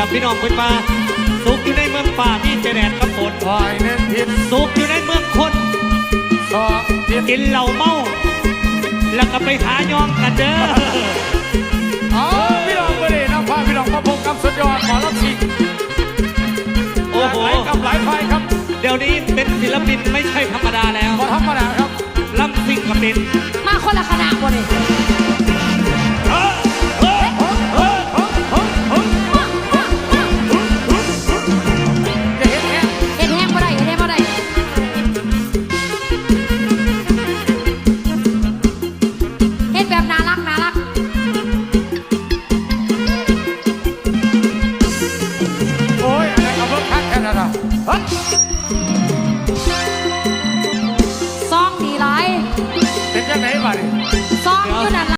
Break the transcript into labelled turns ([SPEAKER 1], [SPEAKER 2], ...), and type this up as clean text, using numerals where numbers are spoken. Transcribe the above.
[SPEAKER 1] ล่ะพี่น้องคุณมาสุขอยู่ในเมืองป่ามีแต่แดดกับฝน
[SPEAKER 2] คอยเน้นทิศ
[SPEAKER 1] สุขอยู่ในเมืองคน
[SPEAKER 2] สองทิศ
[SPEAKER 1] กินเหล้าเมาแล้วก็ไปหายองกันเด้อ
[SPEAKER 2] เอาพี่น้องไปเลยน้ำพาพี่น้องมาพบกับสุดยอดหมอลำซิง
[SPEAKER 1] โอ้โห
[SPEAKER 2] หลายกับหลายไฟครับ
[SPEAKER 1] เดี๋ยวนี้เป็นศิลปินไม่ใช่ธรรมดาแล้ว
[SPEAKER 2] ก็ธรรมดาครับ
[SPEAKER 1] ลำซิ่งกับเป็น
[SPEAKER 3] มาคนละคณะบ่นี่เห็นแห้งบ่ได้เห็นแห้งบ่ได้เห็นแบบน่ารักน่ารัก
[SPEAKER 2] โอ้ยอะไรกับรถคักแค่นั้นอ่ะ
[SPEAKER 3] ซองดีหลาย
[SPEAKER 2] เป็นยังไงบ้านี่